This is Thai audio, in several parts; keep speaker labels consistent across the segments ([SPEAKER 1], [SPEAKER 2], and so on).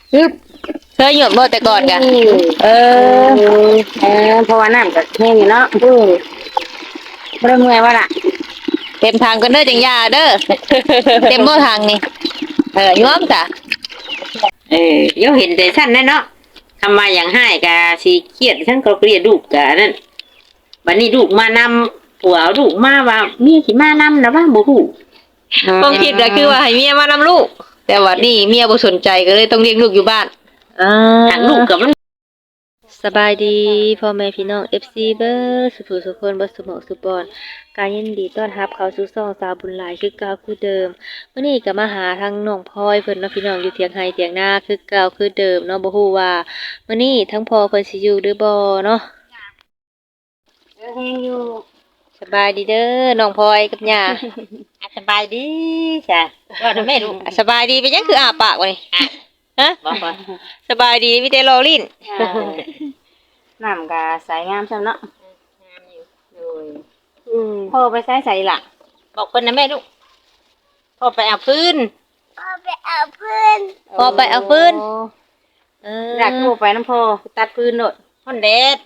[SPEAKER 1] ฮึบเคยหยดบ่แต่ก่อนกะเออ
[SPEAKER 2] เพราะว่าน้ำก็แห้งอยู่เนาะบ่ได้เมื่อยว่าล่ะ
[SPEAKER 1] เต็มทางกันเด้อจังยาเด้อเต็มบ่ทางนี่ย้อมจ้ะ
[SPEAKER 2] เดี๋ยวเห็นแต่ชั้นนั่นเนาะทำมาอย่างให้กะสิเครียดฉันก็เกลียดลูกกะนั่นบัดนี้ลูกมานำผัวลูกมาว่าเมียสิมานำนะว่าบ่ฮู้
[SPEAKER 1] ความคิดก็คือว่าให้เมียมานำลูกแต่ว่านี่เมียบ่สนใจก็เลยต้องเลี้ยงลูกอยู่บ้าน
[SPEAKER 2] หากลูกกับมัน
[SPEAKER 1] สบายดีพ่อแม่พี่น้อง FC เบิร์สุขสุขคนบ่สมองสุบอนการยินดีต้อนรับเข้าสู่ช่องสาวบุญหลายคือเก่าคือเดิมมื้อนี้ก็มาหาทางน้องพลอยเพิ่นเนาะพี่น้องอยู่เถียงไห้เถียงนาคือเก่าคือเดิมเนาะบ่ฮู้ว่ามื้อนี้ทั้งพ่อเพิ่นสิอยู่หรือบ่เนาะ
[SPEAKER 2] แห้งอยู่
[SPEAKER 1] สบายดีเด้อน้องพลอยกับย่า
[SPEAKER 2] สบายดีจ้ะว่าแม่ลูก
[SPEAKER 1] สบายดีเป็นหยังคืออ้าปากวะนี่ฮะ
[SPEAKER 2] บ่
[SPEAKER 1] สบายดีมีแต่รอลิ้น
[SPEAKER 2] น้ำก็ใสงามซั่นเนาะงามอยู่โดยพ่อไปใส่ล่ะบอกเพิ่นนะแม่ลูกพ่อไปเอาฟืน
[SPEAKER 1] พ่อไปเอาฟืน
[SPEAKER 2] อยากโทรไปน้ำพ่อตัดฟืนโดดฮ้อนแดด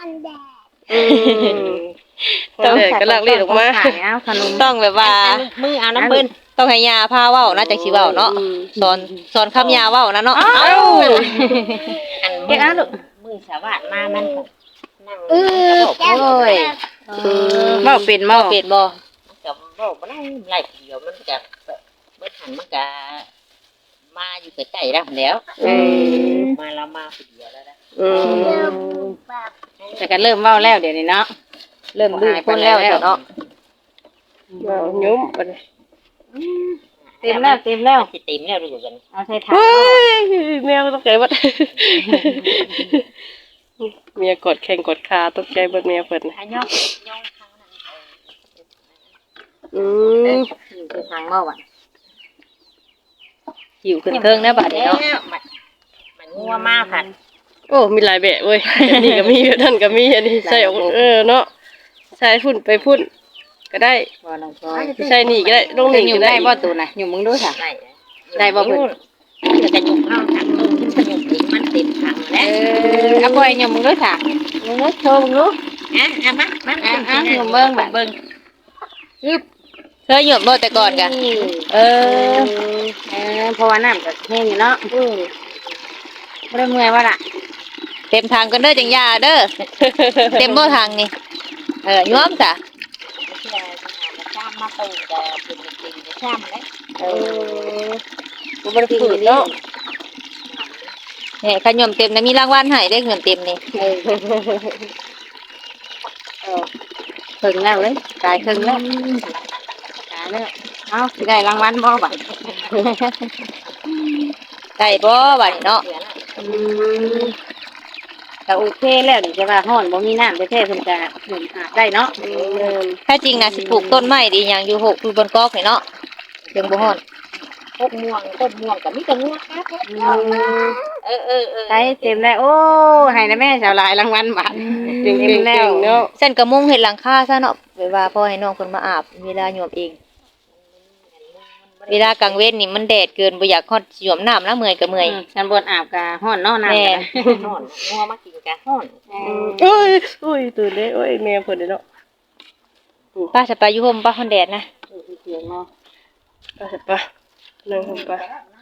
[SPEAKER 1] ต้องกำลังรีดออกมาต้องแบบว่า
[SPEAKER 2] มือเอาน้ำเพิ่น
[SPEAKER 1] ต้องให้ยาพาเว้านะจังสิเว้าเนาะสอนคำยาเว้านะเนาะ
[SPEAKER 2] เก็บเอาลูกมือสวัสดมามันนั่งโอ้ยเว้าเป็นบ่
[SPEAKER 1] เป็นบ่
[SPEAKER 2] กับเว้าบ่ได้ไล่เดียวมันก็เบิดหันมันก็มาอยู่ใกล้ๆแล้วมาแล้วมาผู้เดียวแล้วนะแต่ก็เริ่มเว้าแล้วเดี๋ยวนี้เนาะ
[SPEAKER 1] เริ่มดื้อคนแล้วเนาะ
[SPEAKER 3] ยุ่มไปเลย
[SPEAKER 2] เต็มแล้วสิเต็มแล้วดูกันเอาใส่ถัง
[SPEAKER 3] เมียก็ต้องใจวัดเมียกดแข่งกดขาต้องใจบัดเมียเปิดนะ
[SPEAKER 2] ย่องเขา
[SPEAKER 3] นั่น
[SPEAKER 2] อยู่ในถังเมื่อวัน
[SPEAKER 1] หิวขึ้นเครื่องนะบัดนี้เนาะ
[SPEAKER 2] มันงัวมากค่ะ
[SPEAKER 3] โอ้มีหลายแบบเว้ยนี่ก็มีนั่นก็มีอันนี้ใส่เนาะใส่ฝุ่นไปฝุ่นก็ได้ใช่นี่ก็ได้ลงหนึ่ง
[SPEAKER 2] อยู่ได้บ่ตัวน่ะอยู่มึงด้วยค่ะได้บ่เพิ่นจะหยุดเอาถังลงขึ้นสนุกถึงมันเต็มถังแล้วเอาไปอยู่มึงด้วยค่ะมึงด้วยโชว์มึงรู้มาอยู่เบิ่งแบบเบิ่ง
[SPEAKER 1] เคยหยดบ่แต่ก่อนกะ
[SPEAKER 2] เพราะว่าน้ำก็แห้งอยู่เนาะบ่ได้เมื่อยว่าล่ะ
[SPEAKER 1] เต็มทางกันเด้อจังยาเด้อเต็มบ่ทางนี่ย้อมจ้ะ
[SPEAKER 2] ข้ามมาตื่นแต่เป็นจริงๆข้ามแล้ว
[SPEAKER 1] บ่ได้ฝืนเนาะเนี่ยขยมเต็มนะมีรางวัลให้ได้เงินเต็มนี่
[SPEAKER 2] ถึงแล้วเลยกายถึงแล้วกายแล้วเอาสิได้รางวัลบ่บัด
[SPEAKER 1] ได้บ่บัดนี้เนาะ
[SPEAKER 2] แต่โอเคแล้วนี่จะว่าฮ้อนบ่มีน้ำแท้ๆเพิ่นก็ได้เนาะ
[SPEAKER 1] ถ้าจริงน่ะสิปลูกต้นไม้ดีหยังอยู่6อยู่บนกอกนี่เนาะยังบ่ฮ้อน
[SPEAKER 2] ต้นม่วงก็มีแต่ม่วงครับใช่เต็มแล้วโอ้ให้นะแม่ชาวหลายรางวัลบาทเต็มแล้ว
[SPEAKER 3] เนาะ
[SPEAKER 1] เส้นกระมุงเฮ็ดหลังคาซะเนาะไว้ว่าพอให้น้องเพิ่นมาอาบเวลาโยมเองเวลากลางเว้นนี่มันแดดเกินบ่อยากฮอดสิโยมน้ำแล้วเมื่อยก็เมื่อย
[SPEAKER 2] ฉันบ่อาบก็ฮ้อนเนาะน้ำก็ฮ้อนงัวมากินก็ฮ้อน
[SPEAKER 3] โอ้ยตื่นเด้โอ้ยแม่เพิ่นเนาะ
[SPEAKER 1] ป้าจะไปอยู่ห่มป้าฮ้อนแดดนะ
[SPEAKER 2] เสียงเนาะ
[SPEAKER 3] ไปนั่งห่มไป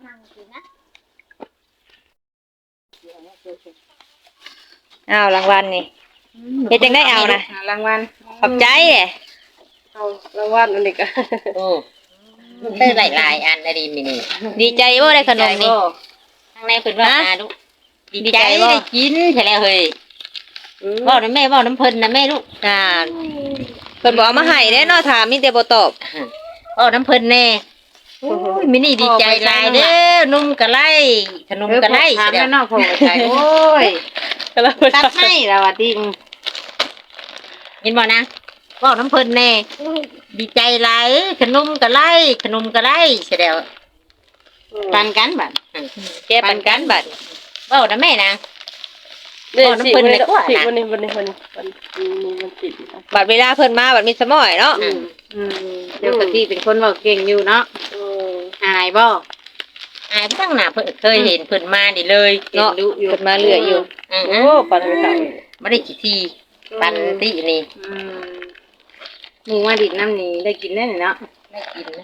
[SPEAKER 1] อ้าวรางวัลนี่เฮ็ดจังได้เอานะ
[SPEAKER 2] รางวัล
[SPEAKER 1] ขอบใจ
[SPEAKER 3] เอารางวัลอันนี้ก็
[SPEAKER 2] ได้หลายอันได้ดีนี่
[SPEAKER 1] ดีใจบ่ได้ขนมนี่
[SPEAKER 2] ข้างในเพิ่นว่ามาลูกดีใจได้กินใช่แล้วเฮ้ยเว้าน้ำแม่เว้าน้ำเพิ่นนะแม่ลูก
[SPEAKER 1] เพิ่นบอกเอามาให้เด้เนาะถามมีแต่บ่ตอบ
[SPEAKER 2] เว้าน้ำเพิ่นแน่มินี่ดีใจหลายเด้อนุ่มกะไล่ขนมกะไล่ถามแม่นอกพ่อใจโอ้ยตัดให้แล้วว่าติเห็นบ่นะเว้าน้ำเพิ่นแน่ดีใจหลายขนมกะไล่ใช่แล้วปันกันบัด
[SPEAKER 1] แกปันกันบัด
[SPEAKER 2] เว้านะแม่นะ
[SPEAKER 3] เว้าน้ำเพิ่นเลยกว่านะวันนี้ติด
[SPEAKER 1] บัดเวลาเพิ่นมาบัดมีสมอยเนาะ
[SPEAKER 2] เดี๋ยวกะทิเป็นคนเว้าเก่งอยู่เนาะอายบ่อายตั้งหน้าเพิ่นเคยเห็นเพิ่นมานี่เลย
[SPEAKER 1] เนาะ
[SPEAKER 2] ดูอยู่
[SPEAKER 1] เพิ่นมาเรื่อยอยู่
[SPEAKER 3] โอ้ปันไปเฒ่า
[SPEAKER 2] บ่ได้กี่ทีปันตินี่
[SPEAKER 4] หมูมาดิดน้ำนี่ได้กินแน่เนาะ
[SPEAKER 2] ได้กินนะ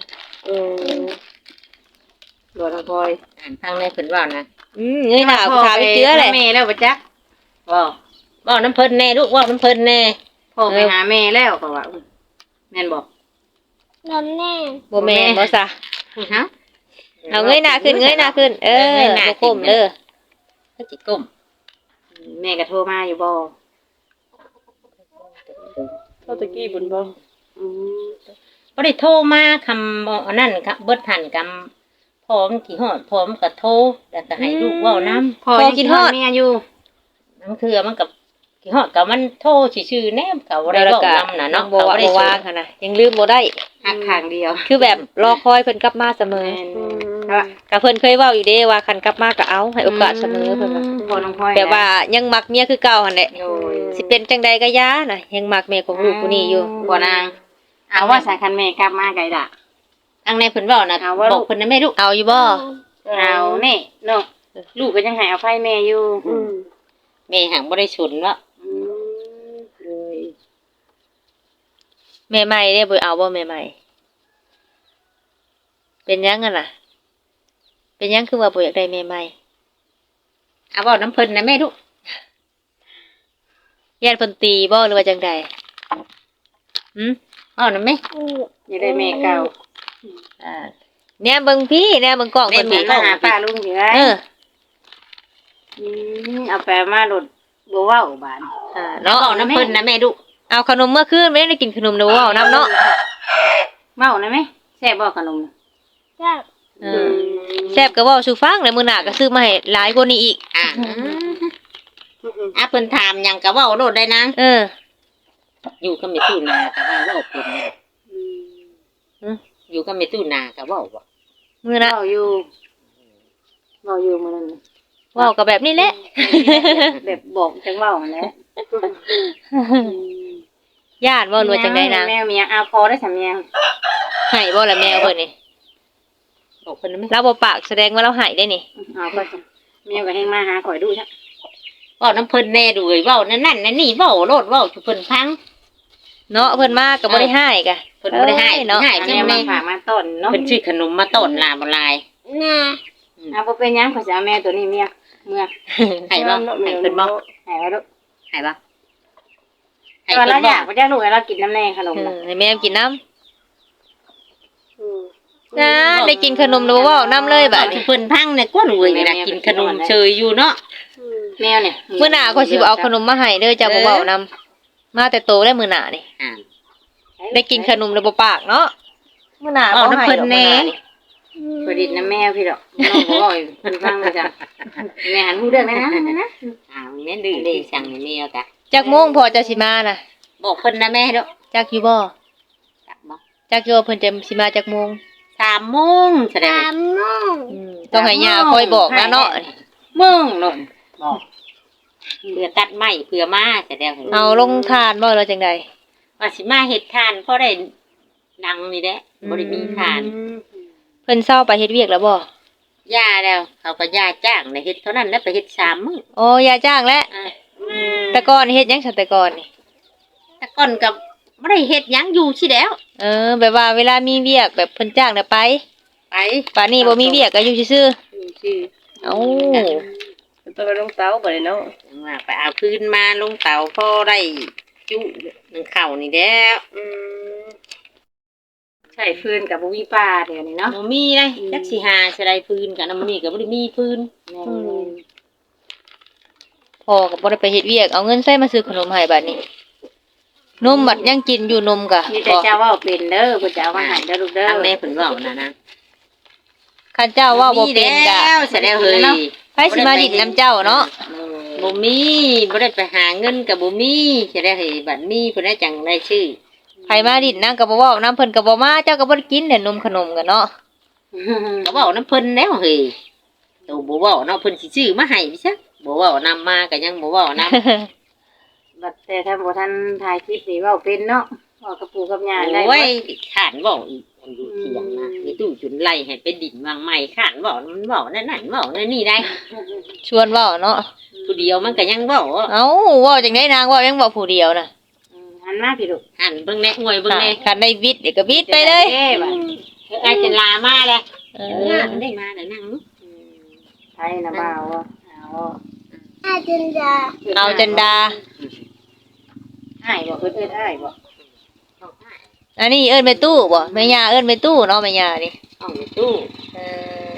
[SPEAKER 4] หลวงพ่อย
[SPEAKER 2] อ่านทางในเพิ่นว่านะ
[SPEAKER 1] เงยหน้าถามเจือเลย
[SPEAKER 4] แม่แล้วบ่จักบ่
[SPEAKER 2] เว้าน้ำเพิ่นแน่ลูกเว้าน้ำเพิ่นแน่
[SPEAKER 4] พ่อไปหาแม่แล้วก็ว่าแม่นบ่
[SPEAKER 1] บ่แม่นบ่ซะ
[SPEAKER 4] ฮะ
[SPEAKER 1] เอาเงยหน้าขึ้นบ่ก้มเด้อ
[SPEAKER 2] ก็สิก้ม
[SPEAKER 4] แม่ก็โทรมาอยู่บ่
[SPEAKER 3] เท่าตะกี้บุญบ่
[SPEAKER 2] บ่ได้โทรมาคำบ่อันนั้นครับเบิดทันกำพร้อมที่ฮอดพร้อมก็โทรแล้วก็ให้ลูกเว้านํ
[SPEAKER 4] พ่อยังคิดฮอดแม่อยู่
[SPEAKER 2] นั่นคือมันกับที่ฮอดก็มันโทรซื่อๆแนมก็บ่ได้
[SPEAKER 1] แล้ว
[SPEAKER 2] เว้า
[SPEAKER 1] ก็
[SPEAKER 2] นำน่ะเนาะ
[SPEAKER 1] บ่ว่า
[SPEAKER 2] ได้
[SPEAKER 1] บ่ว่างหั่นน่ะยังลืมบ่ได้
[SPEAKER 4] หักข้างเดียว
[SPEAKER 1] คือแบบรอคอยเพิ่นกลับมาเสมอ
[SPEAKER 4] แม่น
[SPEAKER 1] ก็เพิ่นเคยเว้าอยู่เด้ว่าคันกลับมาก็เอาให้โอกาสเสมอเพิ่นว่า
[SPEAKER 4] พ่อน้องพ่อย
[SPEAKER 1] แต่ว่ายังมักเมียคือเก่าหั่นแหละ
[SPEAKER 4] โอ้ย
[SPEAKER 1] สิเป็นจังใดก็ย่าน่ะยังมักแม่ของลูกผู้นี้อยู่
[SPEAKER 4] บ่นางเอาว่าสายคันแม่กลับมาไกลด่ะ
[SPEAKER 2] ทางในเพิ่นเว้านะ
[SPEAKER 4] เอาว่า
[SPEAKER 2] บอกเพิ่นนะแม่ลูก
[SPEAKER 1] เอาอยู่บ่
[SPEAKER 4] เอาแน่เนาะลูกก็ยังให้อภัยแม่อยู่
[SPEAKER 2] แม่หังบ่ได้ฉุนเนาะ
[SPEAKER 4] เลย
[SPEAKER 1] แม่ใหม่เด้บ่เอาบ่แม่ใหม่เป็นหยังกันน่ะ เป็นหยังคือว่าบ่อยากได้แม่ใหม่
[SPEAKER 2] เอาเว้าน้ำเพิ่นนะแม่ลูก
[SPEAKER 1] ญาติเพิ่นตีบ่หรือว่าจังใด
[SPEAKER 2] เว้านํแม่
[SPEAKER 4] อย่าได้แม่เก่า
[SPEAKER 1] อ่าเนี่ยเบิ่งพี่เนี่ยเบิ่งกล้องเพิ่น
[SPEAKER 4] แม่
[SPEAKER 1] พี่
[SPEAKER 4] มาหาป้าลุงอยู่ไง
[SPEAKER 1] เออ
[SPEAKER 4] เอาไปมาโดดบ่เว้าบาน
[SPEAKER 1] เนาะ
[SPEAKER 2] เว้าน้ำเพิ่นนะแม่ลูก
[SPEAKER 1] เอาขนมเมื่อคืนไม่ได้กินขนมเด้อเว้านํเนาะ
[SPEAKER 4] เว้านะแม่แซ่บบ่ขนม
[SPEAKER 1] เออแซ่บก็เว้าสู่ฟังแล้วมื้อหน้าก็ซื้อมาให้หลายกว่านี้อีก
[SPEAKER 2] เพิ่นถามหยังก็เว้าโลดได้นะ
[SPEAKER 1] เออ
[SPEAKER 2] อยู่ก็ไม่ตู้นาก็ว่าเว้าเพิ่นนะอยู่ก็ไม่ตู้นาก็เว้าบ่
[SPEAKER 1] มื้อน่ะ
[SPEAKER 4] เว้าอยู่มื้อนั้น
[SPEAKER 1] เว้าก็แบบนี้แหละ
[SPEAKER 4] แบบบอกจังเว้าหั่นแหละ
[SPEAKER 1] ญาติบ่หรือว่าจังได๋นาง
[SPEAKER 4] แมวเมียเอาพอได้สำเนียง
[SPEAKER 1] ให้บ่ล่ะแม่เพิ่นนี่
[SPEAKER 2] บอกเพิ่นนะแม่
[SPEAKER 1] เราบ่ปากแสดงว่าเราให้ได้นี่
[SPEAKER 4] เอาก็จ้ะแมวก็ให้มาหาข่อยดูจ้ะ
[SPEAKER 2] เว้าน้ำเพิ่นแน่ดูเว้ยเว้านั่นนั่นนี่เว้าโลดเว้าสู่เพิ่นฟัง
[SPEAKER 1] เนาะเพิ่นมาก็บ่ได้ให้กะ
[SPEAKER 2] เพิ่นบ่ได้ให้
[SPEAKER 1] เนาะ
[SPEAKER 2] ให้
[SPEAKER 4] อัน
[SPEAKER 2] จั
[SPEAKER 4] นี้
[SPEAKER 2] ง
[SPEAKER 4] มา
[SPEAKER 2] แม่
[SPEAKER 4] ฝากมาต้นเนาะ
[SPEAKER 2] เพิ่นซื้อขนมมาต้อนลาบ่ลาย
[SPEAKER 4] เอาบ่เป็นหยังข่อยสิเอาแมวตัวนี้เมียเมื่อ
[SPEAKER 2] ให้บ่ให้เพิ่นบ่
[SPEAKER 4] ให้เอาลูก
[SPEAKER 2] ให้บ่ให้
[SPEAKER 4] ตอน
[SPEAKER 2] เพิ่
[SPEAKER 4] เรา
[SPEAKER 2] น
[SPEAKER 4] อ
[SPEAKER 2] บ่
[SPEAKER 4] ยากบ่ได้ลูกให้เรากินน้ำแน่ขนมน่ะ
[SPEAKER 1] ให้แม่กินน้ำนะได้กินขนมแล้วบ่เว้าน้ำเลยบัด
[SPEAKER 2] สิ
[SPEAKER 1] นี้
[SPEAKER 2] เพิ่นพังเนี่ยก้นเว้ยนี่นะกินขนมเชยอยู่เนาะ
[SPEAKER 4] แมวเนี่ย
[SPEAKER 1] มื้อหน้าก็สิเอาขนมมาให้เด้อจ้าบ่เว้านํมาแต่โตได้มื้อหน้านี่
[SPEAKER 2] อ่า
[SPEAKER 1] ได้กินขนมแล้วบ่ปากเนาะมื้อหน้า
[SPEAKER 2] เอา
[SPEAKER 1] บ่
[SPEAKER 2] น้ำ
[SPEAKER 1] ให้
[SPEAKER 2] เพิ่น
[SPEAKER 1] ดอก
[SPEAKER 2] แน่
[SPEAKER 4] ประดิษฐ์น้ำแมวพี่ดอกน้องบ่ว่าอยู่เพิ่นฟังเลยจ้ะแม่หันหูเรื่องนะนะ
[SPEAKER 2] แม่ดื้อดีสั่งนี่แม่กะ
[SPEAKER 1] จักโมงพอจะสิมาน่ะ
[SPEAKER 2] บอกเพิ่นนะแม่เด้อ
[SPEAKER 1] จักอยู่บ่
[SPEAKER 2] จักบ่
[SPEAKER 1] จักอยู่ว่าเพิ่นจะสิมาจักโมง
[SPEAKER 2] 3 โมงแสดง
[SPEAKER 1] ต้องให้ย่าคอยบอกนะเนาะ
[SPEAKER 2] มึงเนาะบอกเพื่อตัดไม้เพื่อมาแสดง
[SPEAKER 1] เอาลงทานบ่แล้วจังได๋
[SPEAKER 2] ว่าสิมาเฮ็ดทานพอได้ดังนี่แหละบ่ได้มีทาน
[SPEAKER 1] เพิ่นเซาไปเฮ็ดเวียกแล้วบ่
[SPEAKER 2] ย่าแล้วเขาก็ย่าจ้างได้เฮ็ดเท่านั้นแล้วไปเฮ็ด3 มื้อ
[SPEAKER 1] โอ้ย่าจ้างแล้ว
[SPEAKER 2] อ่า
[SPEAKER 1] แต่ก่อนเฮ็ดหยังซั่นแต่ก่อนนี่
[SPEAKER 2] แต่ก่อนก็บ่ได้เฮ็ดหยังอยู่สิแล้ว
[SPEAKER 1] แบบว่าเวลามีเวียกแบบเพิ่นจ้างน่ะไป
[SPEAKER 2] ไป
[SPEAKER 1] ป่านนี้บ่มีเวียกก็อยู่ซื่อ
[SPEAKER 2] อยู่ชื่อ
[SPEAKER 1] ๆเอ้า
[SPEAKER 3] ต้องไปลงเตาบ่ได้เนาะ
[SPEAKER 2] ว่าไปเอาพื้นมาลงเตาพอได้จุหนึ่งเข่านี่แล้ว
[SPEAKER 4] ใช่ฟืนกับบ่มีป้าเดี๋ยวนี้เนาะ
[SPEAKER 2] บ่มีเลยจักสิหาสิได้พื้นกันนำนี่ก็บ่ได้มีพื้น
[SPEAKER 4] แม่
[SPEAKER 1] พ่อก็บ่ได้ไปเฮ็ดเวียกเอาเงินใส่มาซื้อขนมให้บัดนี้นมบัดยังกินอยู่นมกะ
[SPEAKER 4] มีแต่เจ้าเว้าเป็นเด้อผู้เจ้ามาให้เด้อลูกเด้อ
[SPEAKER 2] ทางแม่เพิ่นเว้านะ
[SPEAKER 1] คันเจ้าเว้าบ่เป็นกะ
[SPEAKER 2] แล้วสิได้เฮ้ย
[SPEAKER 1] ไผสิมาดินน้ำเจ้าเนาะ
[SPEAKER 2] บ่มีบ่ได้ไปหาเงินก็บ่มีสิได้เฮ้ยบัดมีเพิ่นได้จังได้ชื่อ
[SPEAKER 1] ไผมาดินนางก็บ่เว้านํเพิ่นก็บ่มาเจ้าก็บ่ได้กินแต่นมขนมกันเนาะ
[SPEAKER 2] ก็เว้านำเพิ่นแล้วเฮ้ยตัวบ่เว้าเนาะเพิ่นสิซื้อมาให้ซะบ่เว้านำมาก็ยังบ่เว้านำ
[SPEAKER 4] บัดแต่ถ้าบ่ทันถ่ายคลิปนี่เว้าเป็นเนาะเว้ากับปู่กับย่าได้
[SPEAKER 2] โอ้ยขานเว้าอีกมันอยู่เถียงนะมีตู้จุนไล่ให้ไปดินวางใหม่ข้านบอกมันบอกนั่นบอกนั่นนี่ได้
[SPEAKER 1] ชวนเว้าเนาะ
[SPEAKER 2] ผู้เดียวมันก็ยังบอก
[SPEAKER 1] เอ้าเว้าจังได๋นางเว้ายังเว้าผู้เดียวน่ะ
[SPEAKER 4] หันมาพี่ลูก
[SPEAKER 2] หันเบิ่งแน่อวยเบิ่งแน่
[SPEAKER 1] คันได้วิทย์เดี๋ยวก็วิทย์ไปเลย
[SPEAKER 2] ไอ้จะลามาเลย
[SPEAKER 1] เอ
[SPEAKER 2] มัน
[SPEAKER 1] อ
[SPEAKER 2] ได้มาแต่นั่ง
[SPEAKER 4] ไทยนะบ่าวเอา
[SPEAKER 1] เอาจนดา
[SPEAKER 4] อ้ายบ่เอิ้นอ้ายบ่
[SPEAKER 1] อันนี้เอิ้นไปตู้บ่แม่ย่าเอิ้นไปตู้เนาะแม่ย่านี่
[SPEAKER 2] ห้องตู้
[SPEAKER 1] เออ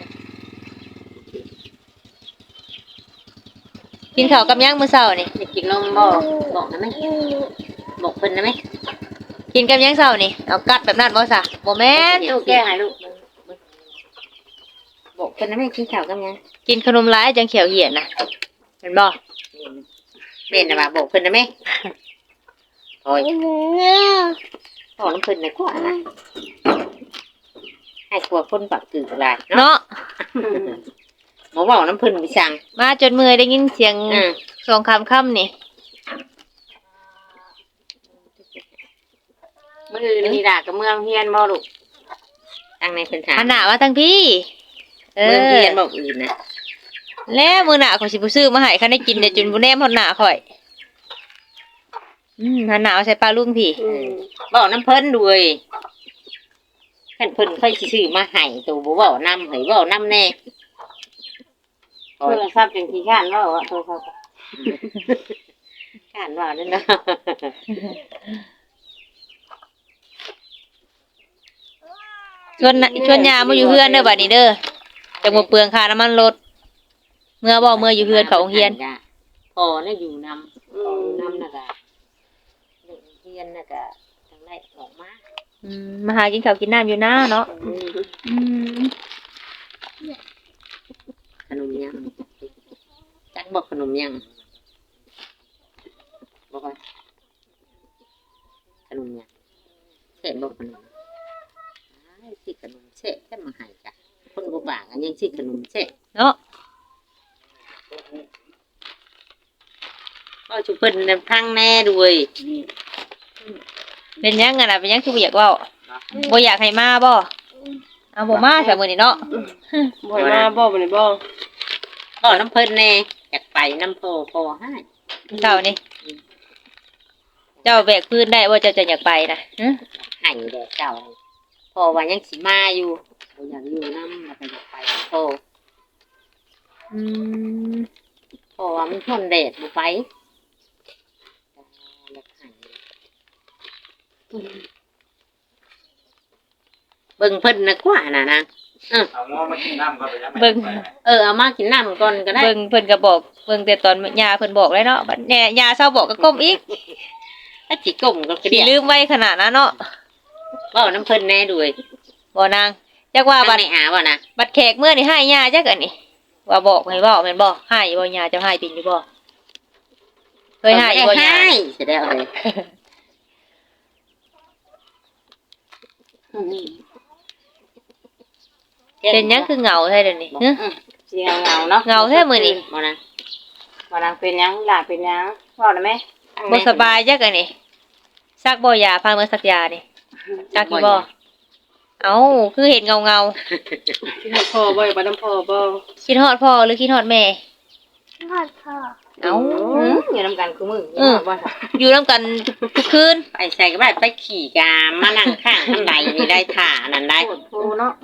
[SPEAKER 1] กินข้าวกับหยังมื้อเช้านี่
[SPEAKER 2] จะกินนมบอกนะไหมบอกเพิ่นนะไหม
[SPEAKER 1] กินกับหยังเช้านี่เอากัดแบบนั้นบ่ซะบ่แม่น
[SPEAKER 4] ลูกแก้ให้ลูก
[SPEAKER 2] บอกเพิ่นนะไหมกินข้าวกันยัง
[SPEAKER 1] กินขนมหลายจังเขียวเหี่ยนน่ะเห็นบ่
[SPEAKER 2] เป็นนะว่าบอกเพิ่นนะไหมโอ้ยบอกน้ำเพิ่นนะกว่านะให้กลัวคนปากตื่นอะไรเนาะ
[SPEAKER 1] เนาะ
[SPEAKER 2] หมอบอกน้ำเพิ่นไปสั่ง
[SPEAKER 1] มาจนเมื่อยได้ยินเสียงสองค่ำนี่
[SPEAKER 4] มื้ออื่นนี่ล่ะกับเมืองเฮียนบ่ลูก
[SPEAKER 2] ตั้งในเพิ่นถาม
[SPEAKER 1] หันหน้ามาทางพี่
[SPEAKER 2] เมืองเพียนบอกอื่นนะ
[SPEAKER 1] แล้วมื้อหน้าข่อยสิบ่ซื้อมาให้คันได้กินเดี๋ยวจนบ่แนมฮอดหน้าข่อยหันหน้าเอาใส่ปลาลุงพี่
[SPEAKER 2] บอกน้ำเพิ่นด้วยขันเพิ่นค่อยสิซื้อมาให้ตัวบ่เว้านำให้เว้านำแน่
[SPEAKER 4] โทรศัพท์จังขี้ข้านเว้าโทรศัพท์
[SPEAKER 2] ข้านว่านั่นนะ
[SPEAKER 1] ชวนยามาอยู่เฮือนเด้อบัดนี้เด้อจังบ่เปลืองค่าน้ำมันรถเมื่ออยู่เฮือนเขาโรงเรียน
[SPEAKER 2] พอน่ะอยู่นำน่ะก็เด็กเรียนน่ะก็จังได๋ออกมา
[SPEAKER 1] มาหากินข้าวกินน้ำอยู่นะเนาะ
[SPEAKER 2] ขนมยังจักบอกขนมยังบอกว่าขนมยังเสร็จบอกขนมสิขนมเสร็จแค่มาให้จ้ะคนบ่ปากอันยังสิขนมเสร็จ
[SPEAKER 1] เนาะ
[SPEAKER 2] ก็ชุเพิ่นนำทางแน่ด้วย
[SPEAKER 1] เป็นยังไงล่ะเป็นยังคือบ่อยากเว้าบ่อยากให้มาบ่เอาบ่มาซะมื้อนี้เนาะ
[SPEAKER 3] บ่ให้มาบ่บ่ได้บ่
[SPEAKER 2] ก็น้ำเพิ่นแน่อยากไปน้ำพอให้
[SPEAKER 1] เจ้านี่เจ้าแบกพื้นได้ว่าเจ้าจะอยากไปนะ
[SPEAKER 2] ให้แด่เจ้าพอว่ายังสิมาอยู่บ่อยากอยู่น้ำแล้วก็อยากไปพอพอว่ามันทนแดดบ่ไปเบิ่งเพิ่นนะกว่าน่ะนะ
[SPEAKER 5] เอาหม้อมากินน้ำก็ไปยังไง
[SPEAKER 1] เบิ่ง
[SPEAKER 2] เอามากินน้ำก่อนก็ได้
[SPEAKER 1] เบิ่งเพิ่นก็บอกเบิ่งแต่ตอนยาเพิ่นบอกเลยเนาะบัดแน่ยาเศร้าบอกก็ก้มอีก
[SPEAKER 2] ถ้าสิก้มก็
[SPEAKER 1] สิ
[SPEAKER 2] เรียก
[SPEAKER 1] ลืมไว้ขนาดนั้นเนาะ
[SPEAKER 2] เว้าน้ำเพิ่นแน่ด้วย
[SPEAKER 1] บ่นางจักว่า
[SPEAKER 2] ว่า
[SPEAKER 1] บั
[SPEAKER 2] บั
[SPEAKER 1] ด
[SPEAKER 2] ดในอาบ่นะ
[SPEAKER 1] บัดแขกเมื่อนี่ให้ยาจักอันนี้ว่าบอกให้เว้าแม่นบ่ให้บ่ยาเจ้าให้เป็นอยู่บ่เคยให้บ่ยา
[SPEAKER 2] ให้สิได้เอาเลย
[SPEAKER 1] เป็นหยังคือเหงาแท้เดี๋ยวนี้ฮะ
[SPEAKER 4] สิเหงาเนาะ
[SPEAKER 1] เหงาแท้มื้อนี้
[SPEAKER 2] บ่นะ
[SPEAKER 4] บ่นางเป็นหยังหลานเป็นหยังเว้าได้ไหม
[SPEAKER 1] บ่สบายจักอันนี้ซักบ่ยาพามื้อซักยานี่ซักอยู่บ่เอ้าคือเห็นเงา
[SPEAKER 3] กินฮอดพ่อบ่อย่าไปน้ำพ่อบ่
[SPEAKER 1] ๆคิดฮอดพ่อหรือคิดฮอดแม่เอ้า
[SPEAKER 4] อยู่นำกันคือมื้อบ่
[SPEAKER 1] อยู่นํกันทุกคืน
[SPEAKER 2] ไปใส่ก็ได้ไปขี่กามานั่งข้างข้างใดนี่ได้ถ่านั่นได้
[SPEAKER 4] โอ้เนาะ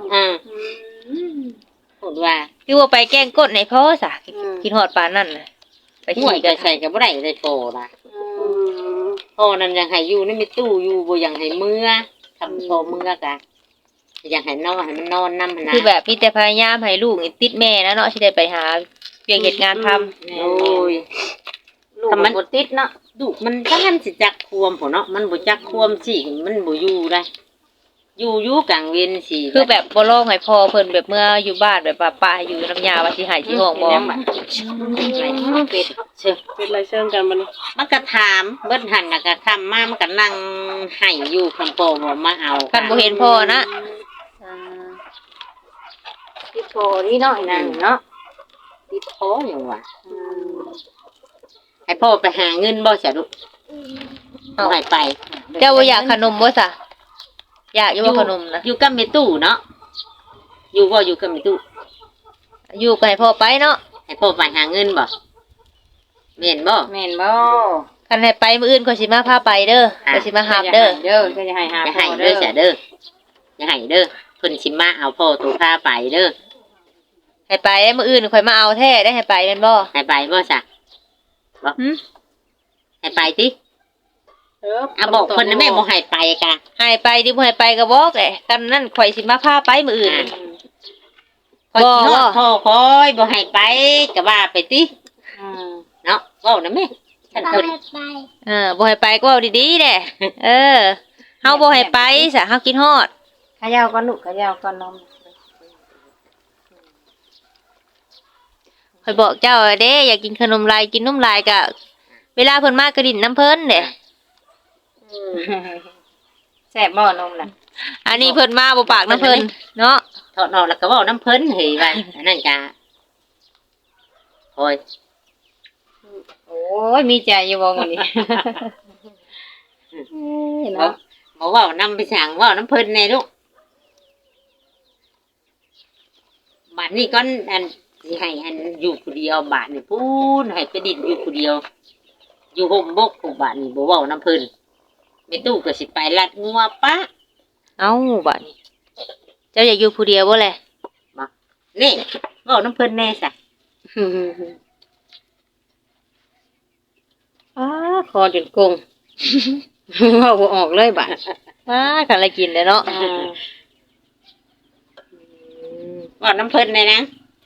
[SPEAKER 2] พูดว่า
[SPEAKER 1] คือว่าไปแกล้งก้นให้พ่อซะคิดฮอดปานนั้นน่ะไป
[SPEAKER 2] ห่ว
[SPEAKER 1] ขี่
[SPEAKER 2] ย
[SPEAKER 1] กั
[SPEAKER 2] ก็
[SPEAKER 1] น
[SPEAKER 2] ใส่ก็บ่ได้ได้โตล่ะพ่อนั่นยังให้อยู่นี่มีตู้อยู่บ่ยังให้เมื่อทำโตเมื่อกะยังให้นอนให้มันนอนนำนะ
[SPEAKER 1] คือแบบมีแต่พยายามให้ลูกนี่ติดแม่นะเนาะสิได้ไปหาเวียกเฮ็ดงานทำ
[SPEAKER 2] โอ้ย
[SPEAKER 4] ลูกมันบ่ติดเนาะ
[SPEAKER 2] ดุมันถ้ามันสิจักควมพุ่นเนาะมันบ่จักควมสิมันบ่อยู่ได้อยู่กลางเว้นสิ
[SPEAKER 1] คือแบบบ่ร้องให้พ่อเพิ่นแบบเมื่ออยู่บ้านแบบว่าป้าอยู่น้ำยาว่าสิให้ที่ห้องบ่
[SPEAKER 4] เป็ด
[SPEAKER 2] เชื่อ
[SPEAKER 3] เป็นไรเชิงกันบัดนี้
[SPEAKER 2] มันก็ถามเบิ้นหันน่ะก็ทำมามันก็นั่งให้อยู่คำโปบ่มาเอา
[SPEAKER 1] คันบ่เห็นพ่อนะ
[SPEAKER 4] ติดโพนี่เนาะนั่นเนาะ
[SPEAKER 2] ติดโพอย่างว่าให้พ่อไปหาเงินบ่จ้ะลูกเอาให้ไป
[SPEAKER 1] เจ้าบ่อยากขนมบ่ซะอยากอยู่บ่ขนมนะ
[SPEAKER 2] อยู่กับแม่ตู้เนาะอยู่บ่อยู่กับแม่ตู้
[SPEAKER 1] อยู่ก็ให้พ่อไปเนาะ
[SPEAKER 2] ให้พ่อไปหาเงินบ่แม่นบ่
[SPEAKER 4] แม่นบ่
[SPEAKER 1] คันให้ไปมื้ออื่นก็สิมาพาไปเด้อก็สิมาหาบเด้อ
[SPEAKER 4] เด้อก็จะให้หา
[SPEAKER 2] อย่าให้เด้อจ้ะเด้ออย่าให้เด้อเพิ่นสิมาเอาพ่อตัวพาไปเด้อ
[SPEAKER 1] ให้ไปได้มื้ออื่นค่อยมาเอาแท้ได้ให้ไปแม่นบ่
[SPEAKER 2] ให้ไปบ่จ้ะบ่
[SPEAKER 1] หึ
[SPEAKER 2] ให้ไปติอ่ะบอกเพิ่นนะแม่บ่ให้ไปกะ
[SPEAKER 1] ให้ไปดิบ่ให้ไปก็บอกแหละกันนั้นข่อยสิมาพาไปมื้ออื่น
[SPEAKER 2] คอยสิฮอดพ่อคอยบ่ให้ไปก็ว่าไปติ เนาะเว้านะแม่ฉันเพิ่น
[SPEAKER 1] บ่ให้ไปก็เว้าดีๆแหละเออเฮาบ่ให้ไปซะเฮากินฮอด
[SPEAKER 4] ขยาวก่อนลูกขยาวก่อนนม
[SPEAKER 1] ข่อยบอกเจ้าเด้อยากกินขนมลายกินนมลายก็เวลาเพิ่นมากระดิ่นน้ำเพิ่นเด้
[SPEAKER 4] แซ่บบ่นมน่ะ
[SPEAKER 1] อันนี้เพิ่นมาบ่ปากน้ำเพิ่นเนาะ
[SPEAKER 2] ถอดออกแล้วก็เว้าน้ำเพิ่นเฮ้ยว่าอันนั้นกะโอ้ย
[SPEAKER 4] โอ้ยมีใจอยู่บ่มื้อนี้
[SPEAKER 2] บ่
[SPEAKER 4] เนาะ
[SPEAKER 2] บ่เว้านำไปสั่งเว้าน้ำเพิ่นแน่ลูกบัดนี้ก่อนอันสิให้อันอยู่ผู้เดียวบาดนี่พูนให้ไปดินอยู่ผู้เดียว อยู่ห่มบกผู้บาดนี่บ่เว้าน้ำเพิ่นแม่ตู้ก็สิไปลัดงัวปะ
[SPEAKER 1] เอ้าบัดนี้เจ้าอยากอยู่ผู้เดียวบ่แหละ
[SPEAKER 2] นี่เว้าน้ำเพิ่นแน่ซะ
[SPEAKER 4] คอจนกง เว้าบ่ออกเลยบัด
[SPEAKER 1] มาคันละกินเด้อเนาะ
[SPEAKER 2] เว้าน้ำเพิ่นแน่นะ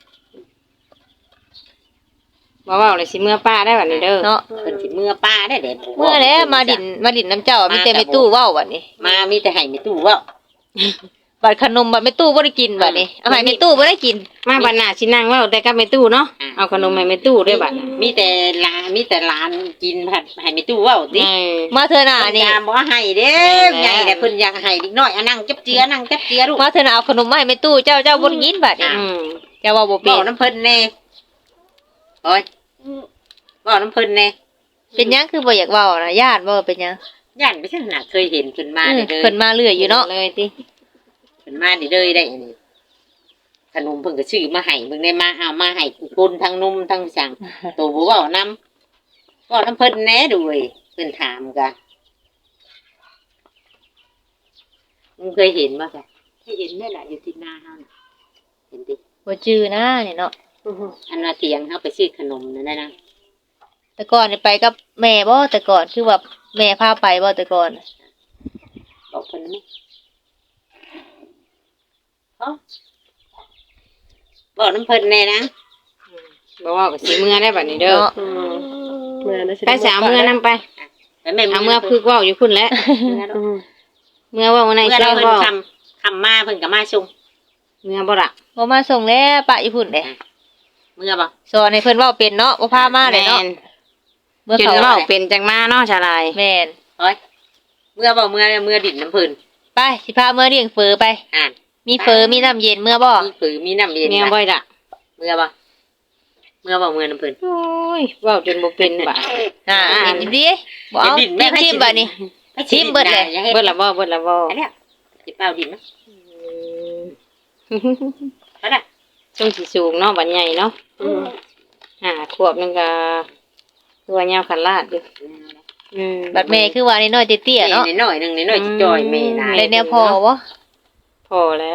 [SPEAKER 4] บ่เว้าเลยสิเมื่อป้าได้บัดนี้เด้อ
[SPEAKER 1] เนาะ
[SPEAKER 2] เพิ่นสิเมื่อป้าได้เด็ด
[SPEAKER 1] เมื่อแล้วมาดินน้ำเจ้ามีแต่แม่ตู้เว้าบัดนี้
[SPEAKER 2] มามีแต่ให้แม่ตู้เว้า
[SPEAKER 1] บัดขนมบัดแม่ตู้บ่ได้กินบัดนี้เอาให้แม่ตู้บ่ได้กิน
[SPEAKER 4] มาบัดหน้าสินั่งเว้าแต่กับแม่ตู้เนาะเอาขนมให้แม่ตู้ด้วยบัดน่ะ
[SPEAKER 2] มีแต่หลานกินผัดให้แม่ตู้เว้าติ
[SPEAKER 1] มาเถอะน่ะนี่
[SPEAKER 2] ยามบ่ให้เด้ใหญ่แต่เพิ่นอยากให้เด็กน้อยเอานั่งจับเจือนั่งจับเจือลูก
[SPEAKER 1] มาเถอะน่ะเอาขนมมาให้แม่ตู้เจ้าบ่ได้กินบัดนี้ เจ้าว่าบ่เป็
[SPEAKER 2] เว้าน น้ำเพิ่นแน่โอ้ยเว้าน้ำเพิ่นแน่
[SPEAKER 1] เป็นหยังคือบ่อยากเว้านะญาติบ่เป็นหยัง
[SPEAKER 2] ย่านไปซั่นน่ะเคยเห็นเพิ่นมาเด้อ
[SPEAKER 1] เพิ่นมาเรื่อยอยู่เนาะ
[SPEAKER 4] เลยติ
[SPEAKER 2] เพิ่นมาเด้อได้อันนี้ขนมเพิ่นก็ซื้อมาให้เบิ่งได้มาเอามาให้คนทั้งนมทั้งสั่งโตบ่เว้านำเว้าน้ำเพิ่นแน่ดูเว้ยเพิ่นถามกะมึงเคยเห็นบ่จ้ะเคยเห็นแม่ล่ะอยู่ที่นาเฮาน่ะเห็นติ
[SPEAKER 1] บ่จื้อนะนี่เนาะ
[SPEAKER 2] อันว่าเถียงเฮาไปซื้อขนมนั่นนะ
[SPEAKER 1] แต่ก่อนนี่ไปกับแม่บ่แต่ก่อนคือว่าแม่พาไปบ่แต่ก่อน
[SPEAKER 2] บอกเพิ่นไหมฮะบอกน้ำเพิ่นแน่นะ
[SPEAKER 4] บ่เว้าก็สิเมื่อได้บัดนี้เด้อ
[SPEAKER 1] เนาะ
[SPEAKER 3] เมื่อนั้นสิ
[SPEAKER 4] ไปสาวเมื่อนํไป
[SPEAKER 2] ไปแม่
[SPEAKER 4] เอาเมื่อพึกเว้าอยู่พุ่นแหล้วเมื่อเว้าใน
[SPEAKER 2] เมื่อ
[SPEAKER 4] แซ่
[SPEAKER 2] เรา
[SPEAKER 4] บ
[SPEAKER 2] เพิ่น
[SPEAKER 4] เว้า
[SPEAKER 2] คำมาเพิ่นก็มาส่ง
[SPEAKER 4] เมื่อบ่ล่ะ
[SPEAKER 1] บ่มาส่งแล้วปะอยู่พุ่นเด้
[SPEAKER 2] เมื่อบ่
[SPEAKER 1] สอนให้เพิ่นเว้าเป็นเนาะบ่พามาเลยเนาะ
[SPEAKER 4] แม่น
[SPEAKER 1] เมื่อ
[SPEAKER 4] จน
[SPEAKER 1] เขา
[SPEAKER 4] เว้าเป็นจังมาเนาะชาลาย
[SPEAKER 1] แม่น
[SPEAKER 2] เฮ้ยเมื่อบ่เมื่อดินน้ำเพิ่น
[SPEAKER 1] ไปสิพาเมื่อเลี้ยงเฟอไป
[SPEAKER 2] อ่าน
[SPEAKER 1] มีเฟอมีน้ำเย็นเมื่อบ่
[SPEAKER 2] มีผือมีน้ำเย็น
[SPEAKER 4] เมื่อบ่ล่ะ
[SPEAKER 2] เมื่อบ่เมื่อน้ำเพิ่น
[SPEAKER 4] โอ้ยเว้าจนบ่เป็นบ่
[SPEAKER 1] เห็นดิบ่เอาทิมบัดนี้ ชิมเบิดเลย
[SPEAKER 2] อย่าให้
[SPEAKER 4] เบิดละบ่เบิดละบ่
[SPEAKER 2] อันเนี้ยสิเป้าดินนะเอาละ
[SPEAKER 4] ช่วงสิสูงเนาะบัดใหญ่เนาะขวบนึงก็ตัวยาวขันลาดอยู่
[SPEAKER 1] บัดแม่คือว่าน้อยๆเตี้ยๆเนาะ
[SPEAKER 2] น้อยๆหนึงน้อยๆจอยแม่นาย
[SPEAKER 1] เลยแนวพอบ่
[SPEAKER 4] พอแล้ว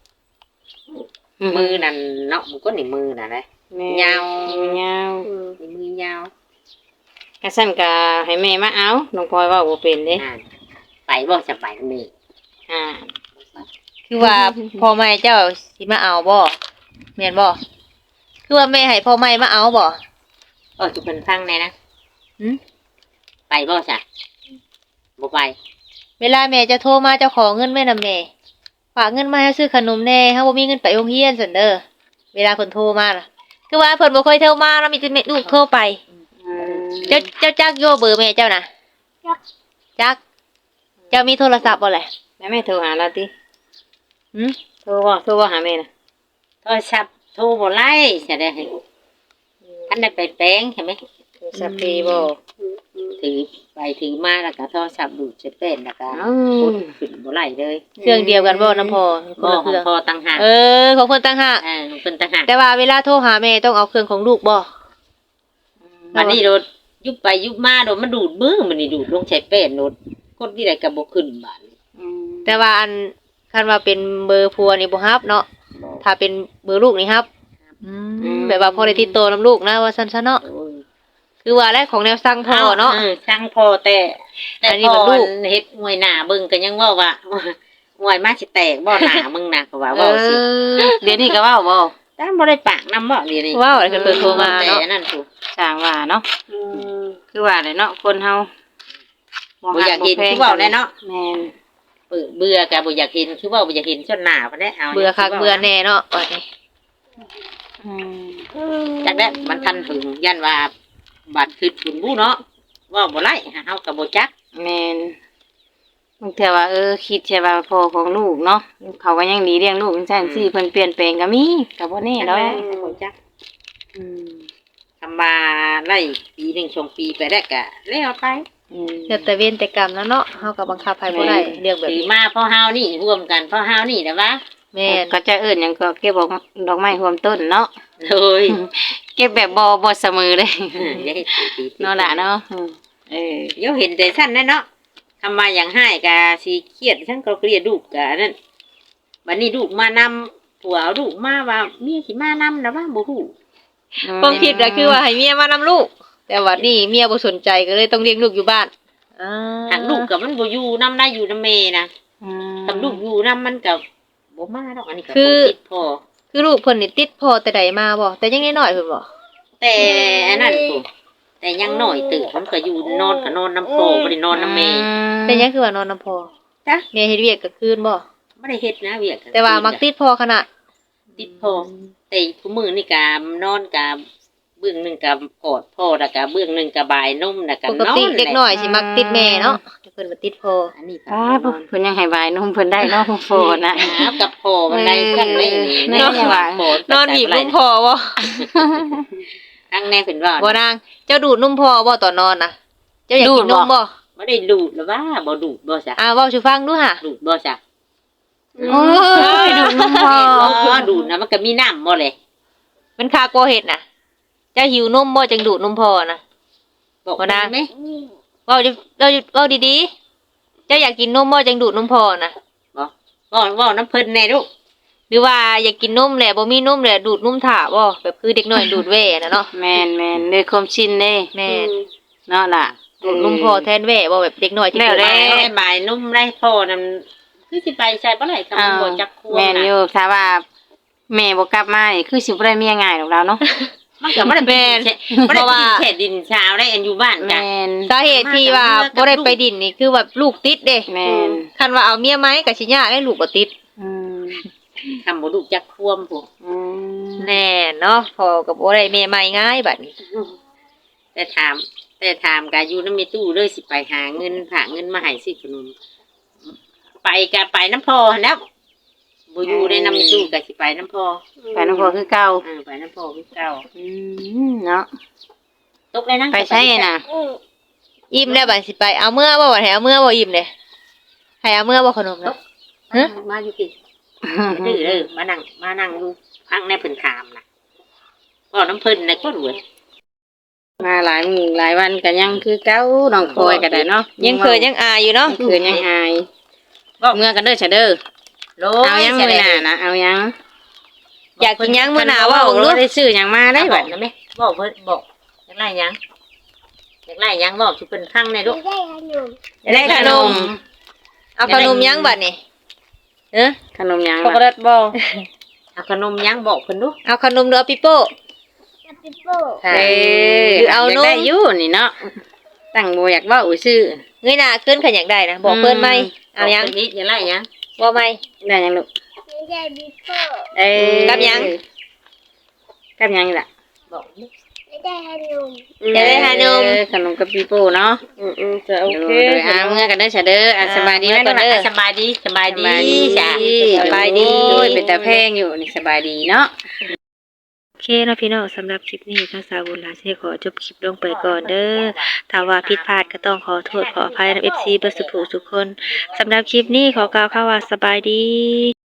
[SPEAKER 2] มือนั่นเนาะมันก็นี่มือน่ะนะ
[SPEAKER 4] แม่
[SPEAKER 2] ยาว
[SPEAKER 4] ยาว
[SPEAKER 2] มือยาว
[SPEAKER 4] กะสั่นก็ให้แม่มาเอาน้องพลอยเว้าบ่เป็นเด้
[SPEAKER 2] อ่าไปบ่จะไปกับแม่
[SPEAKER 4] อ่า
[SPEAKER 1] คือว่าพ่อแม่เจ้าสิมาเอาบ่แม่นบ่คือว่าแม่ให้พ่อแม่มาเอาบ่
[SPEAKER 2] จุเป็นฟังแน่นะ
[SPEAKER 1] หึ
[SPEAKER 2] ไปบ่จ้ะบ่ไป
[SPEAKER 1] เวลาแม่จะโทรมาเจ้าขอเงินแม่นำแม่ฝากเงินมาให้ซื้อขนมแน่เฮาบ่มีเงินไปโรงเรียนซั่นเด้อเวลาเพิ่นโทรมาล่ะคือว่าเพิ่นบ่ค่อยโทรมาแล้วมีแต่แม่ลูกโทรไปเจ้าจักโยเบอร์แม่เจ้าน่ะจักเจ้ามีโทรศัพท์บ่แหละ
[SPEAKER 4] แล้วแม่โทรหาเราติ
[SPEAKER 1] หึ
[SPEAKER 4] โทรบ่หาแม่น่ะ
[SPEAKER 2] โทรศัพท์โทรบ่ไล่จะได้ให้อันนั้นไปแปลงใช่ไหม
[SPEAKER 4] โทรศัพท์พี่บ่
[SPEAKER 2] ถือไปถือมาแล้วก็โทรศัพท์ดูดเสร็จเป็นแล้วก็กดขึ้นบ่ไหลเลย
[SPEAKER 1] เครื่องเดียวกันบ่น้ำพอคน
[SPEAKER 2] บ่
[SPEAKER 1] ละ
[SPEAKER 2] ข
[SPEAKER 1] เค
[SPEAKER 2] อง
[SPEAKER 1] รื่อง
[SPEAKER 2] พอต่างหาก
[SPEAKER 1] ของเพิ่นต่างหาก
[SPEAKER 2] ของเพิ่นต่างหาก
[SPEAKER 1] แต่ว่าเวลาโทรหาแม่ต้องเอาเครื่องของลูกบ่
[SPEAKER 2] บัดนี้โดดยุบไปยุบมาโดดมันดูดมือมันนี่ดูดลงใช้เป็นโดดกดที่ใดก็บ่ขึ้นบาดนี้
[SPEAKER 1] แต่ว่าอันคันว่าเป็นเบอร์ผัวนี่บ่ฮับเนาะถ้าเป็นเบอร์ลูกนี่ฮับแบบว่าพอได้ติดต่อนำลูกนะว่าซั่นซะเนาะ
[SPEAKER 2] โอ้ย
[SPEAKER 1] คือว่าแรกของแนวสั่งพ่อเนาะ
[SPEAKER 2] สั่งพ่อแต่
[SPEAKER 1] อันนี้มันลูก
[SPEAKER 2] เฮ็ดมวยหน้าเบิ่งก็ยังเว้าว่ามวยมาสิแตกบ่หน้ามึงน่ะก็ว่าเว้าสิ
[SPEAKER 4] เดี๋ยวนี้ก็เว้าบ่
[SPEAKER 2] แต่บ่ได้ปากนำบ่เดี๋ยวนี้
[SPEAKER 1] ว้าวอะไรกันเปิดโทรมาเนาะ
[SPEAKER 2] แต่นั่นถูก
[SPEAKER 4] สร้างว่าเนาะคือว่าเลยเนาะคนเฮา
[SPEAKER 2] บ่อยากเห็นคือเว้าแน่เนาะ
[SPEAKER 4] แม่น
[SPEAKER 2] เบื่อก็บ่อยากเห็นคือเว้าบ่อยากเห็นส่วนหน้าบ่ได้เอา
[SPEAKER 1] เบื่อคักเบื่อแน่เนาะว่านี่
[SPEAKER 2] จักได้มันทันถึงยันว่าบัดคือคุณผู้เนาะเว้าบ่ไล่เฮาก็บ่จัก
[SPEAKER 4] แม่นบางเทื่อว่าคิดใช่ว่าพ่อของลูกเนาะเขาก็ยังดีเลี้ยงลูกจังซั่นสิเพิ่นเปลี่ยนแปลงก็มีก็บ่แน่ดอก
[SPEAKER 2] บ่จักทำมาไล่ปีหนึ่งชงปีไปได้กะแล้วไป
[SPEAKER 1] เดี๋ยวแต่เวรแต่กรรมแล้วเนาะเฮาก็บังคับให้บ่ได้เรื่องแบบ
[SPEAKER 2] ถือ
[SPEAKER 1] นี้
[SPEAKER 2] มาพ่อเฮานี่ร่วมกันพ่อเฮานี่นะวะ
[SPEAKER 1] แม่น
[SPEAKER 4] ก็จะเอิ้นหยังก็เก็บดอกไม้รวมต้นเนาะ
[SPEAKER 2] เลย
[SPEAKER 4] เก็บแบบบ่เสมอเลย
[SPEAKER 2] อย่าให้ตี
[SPEAKER 4] เนาะล่ะเนาะ
[SPEAKER 2] เดี๋ยวเห็นแต่สั้นนั่นเนาะทำมาอย่างให้กะสีเครียดทั้งก็เครียดลูกกะนั่นวันนี้ลูกมานำผัวเอาลูกมาว่าเมียสิมานำนะว่าบ่ฮู้
[SPEAKER 1] ความคิดก็คือว่าให้เมียมานำลูก แต่ว่านี่เมียบ่สนใจก็เลยต้องเลี้ยงลูกอยู่บ้าน
[SPEAKER 2] หากลูกกับมันบ่อยู่นำได้อยู่นำแม่นะถ้าลูกอยู่นำมันก็บ่มาดอกอันนี้ก็บ่ติดพอ
[SPEAKER 1] คือลูกเพิ่นนี่ติดพ่อแต่ใดมาบ่แต่ยังน้อยๆเพิ่นบ่
[SPEAKER 2] แต่อันนั้นกูแต่ยังน้อยตื่นมันก็อยู่นอนก็นอนน้ำพ่อบ่ได้นอนน้ำแม่
[SPEAKER 1] แต่ยังคือว่านอนนำพ่อ
[SPEAKER 2] จ้ะ
[SPEAKER 1] แม่เฮ็ดเวียกกลางคืนบ่
[SPEAKER 2] บ่ได้เฮ็ดนะเวียก
[SPEAKER 1] แต่ว่ามักติดพ่อขนาด
[SPEAKER 2] ติดพ่อแต่ผู้มื้อนี่ก็นอนก็เบื้องหนึงก็กอดพ่อแล้วก็เบื้องหนึงก็บายนมแล้วก็
[SPEAKER 1] ป
[SPEAKER 2] น
[SPEAKER 1] ก
[SPEAKER 2] อน
[SPEAKER 1] ติเด็กน้อยสิมักติดแม่เนาะแต่เพิ่นบ่ติดพ่อ
[SPEAKER 2] อันนี้ก็
[SPEAKER 4] เพิ่นยังให้บายนมเพิ่นได้เนาะโฟนะ
[SPEAKER 2] หากับพ่อมันได้กันได้นี่
[SPEAKER 4] แม่ยังว่า
[SPEAKER 1] นอนบีบนมพ่อบ่
[SPEAKER 2] ทั้งแน่เพิ่นว่า
[SPEAKER 1] บ่นางเจ้าดูดนมพ่อบ่ตอนนอนน่ะเจ้าอยากกินนมบ่
[SPEAKER 2] บ่ได้ดูดหรือว่าบ่ดูดบ่ซะ
[SPEAKER 1] เว้าสู่ฟังดูห่ะ
[SPEAKER 2] ดูดบ่ซะ
[SPEAKER 4] โอ้ยดูนมพ่อ
[SPEAKER 2] ดูดนะมันก็มีน้ำบ่เลย
[SPEAKER 1] มันคากลัวเฮ็ดน่ะเจ้าหิวนมบ่จังดูดนมพ่อน่ะ
[SPEAKER 2] บอก
[SPEAKER 1] บ่นะ
[SPEAKER 2] ไหม
[SPEAKER 1] เว้าดีๆเจ้าอยากกินนมบ่จังดูดนมพ่อน่ะ
[SPEAKER 2] ว่าน้ำเพิ่นแน่ลูก
[SPEAKER 1] หรือว่าอยากกินนมแหละบ่มีนมแหละดูดนมถ่าบ่แบบคือเด็กน้อยดูดแว่น่ะเนาะ
[SPEAKER 4] แม่นด้วยความชินเด้
[SPEAKER 1] แม่น
[SPEAKER 4] เนาะล่ะ
[SPEAKER 1] ดูดนมพ่อแทนแว่บ่แบบเด็กน้อยที่
[SPEAKER 4] แล้ว
[SPEAKER 1] เกิด
[SPEAKER 4] แล้
[SPEAKER 1] มา
[SPEAKER 2] ได้บ่ายนุ่มได้พ่อนั่นคือสิไปใช้บ่ไหร่คำบ่จักควง
[SPEAKER 4] แม่น
[SPEAKER 2] น่ะ
[SPEAKER 4] อยู่ถ้าว่าแม่บ่กลับมานี่คือสิบ่ได้เมียง่ายดอกเราเนาะ
[SPEAKER 2] มันก็บ่ได้เป็นบ่ได้กินแค่ดินเช้าได้อันอยู่บ้านจ้ะ
[SPEAKER 4] แม่น
[SPEAKER 1] สาเหตุที่ว่าบ่ได้ไปดินนี่คือแบบลูกติดเด้
[SPEAKER 4] แม่น
[SPEAKER 1] คันว่าเอาเมียไหมก็สิยากได้ลูกบ่ติด
[SPEAKER 2] คำบ่ลูกจักควมผู้
[SPEAKER 1] แน่เนาะพ่อก็บ่ได้แม่ใหม่ง่ายบัดนี้
[SPEAKER 2] แต่ถามก็อยู่นำมีตู้เลยสิไปหาเงินมาให้ซื้อขนมไปก็ไปน้ำพ่อหั่นแหล้วบ่อยู่ในนำมีตู้ก็สิไปน้ำพ่อ
[SPEAKER 4] ไปน้องพ่อคือเก่า
[SPEAKER 2] ไปน้ำพ่อคือเก่า
[SPEAKER 4] เนาะ
[SPEAKER 2] ตกเลยนะ
[SPEAKER 4] ไปใช่น่ะ
[SPEAKER 1] อิ่มแล้วบัดสิไปเอาเมื่อบ่บัดให้เอาเมื่อบ่อิ่มเด้ให้เอาเมื่อบ่ขนมนะ
[SPEAKER 2] มาอยู่กินดื้อเด้อมานั่งดูพังในเพิ่นถามน่ะบ่น้ำเพิ่นน่ะก็รวย
[SPEAKER 4] มาหลายมื้อหลายวันก็ยังคือเก่าน้องคอยก็ได้เนาะ
[SPEAKER 1] ยังเคยยังอายอยู่เนาะ
[SPEAKER 4] คือยังอายเมื่อกันเด้อซะเด้อเอายังมื้อหน้านะเอายัง
[SPEAKER 1] อยากกินยังมื้อหน้าว่าบ่รู้
[SPEAKER 4] ได้ซื้อหยังมาได้
[SPEAKER 2] ได้
[SPEAKER 4] บั
[SPEAKER 2] บั
[SPEAKER 4] ด
[SPEAKER 2] ดนะแม่บอกเพิ่นบอกอยากไล่ยังบอกสิเพิ่นพังในลูก
[SPEAKER 1] ได้ขนมเอาขนมยังบัดนี่
[SPEAKER 4] ขนมหยัง
[SPEAKER 3] ช็อกโกแลตบ่
[SPEAKER 2] เอาขนมยังบอกเพิ่นดู
[SPEAKER 1] เอาขนมหรือเอาปิโป้
[SPEAKER 4] เอ้ย
[SPEAKER 1] เอานม
[SPEAKER 4] ได้อยู่นี่เนาะตั้งบ่อยากเว้าซื่อ
[SPEAKER 1] เงยหน้าขึ้นขันอยากได้นะบอกเพิ่นไหมเอายัง
[SPEAKER 2] นี้อย่าไล่ยัง
[SPEAKER 1] บ่ไหม
[SPEAKER 4] ได้ยังลูกเอ้ย
[SPEAKER 1] กับหยัง
[SPEAKER 4] กับหยังล่ะ
[SPEAKER 2] บอก
[SPEAKER 1] จะได้ขนม
[SPEAKER 4] ขนมกับปีโป้เนาะ
[SPEAKER 3] จะโอเค
[SPEAKER 4] เมื่อกันเด้อซะเด้อสบายดีไหมลูกล่ะ
[SPEAKER 2] สบายดีจ้ะ
[SPEAKER 1] สบายดี
[SPEAKER 4] โอ้ยเป็นตาแพงอยู่นี่สบายดีเนาะ
[SPEAKER 1] เคเนาะพี่น้องสำหรับคลิปนี้ทางสาวบุญหลายสิขอจบคลิปลงไปก่อนเด้อถ้าว่าผิดพลาดก็ต้องขอโทษขออภัยนะ FC เบิดสุขทุกคนสำหรับคลิปนี้ขอกล่าวคำว่าสบายดี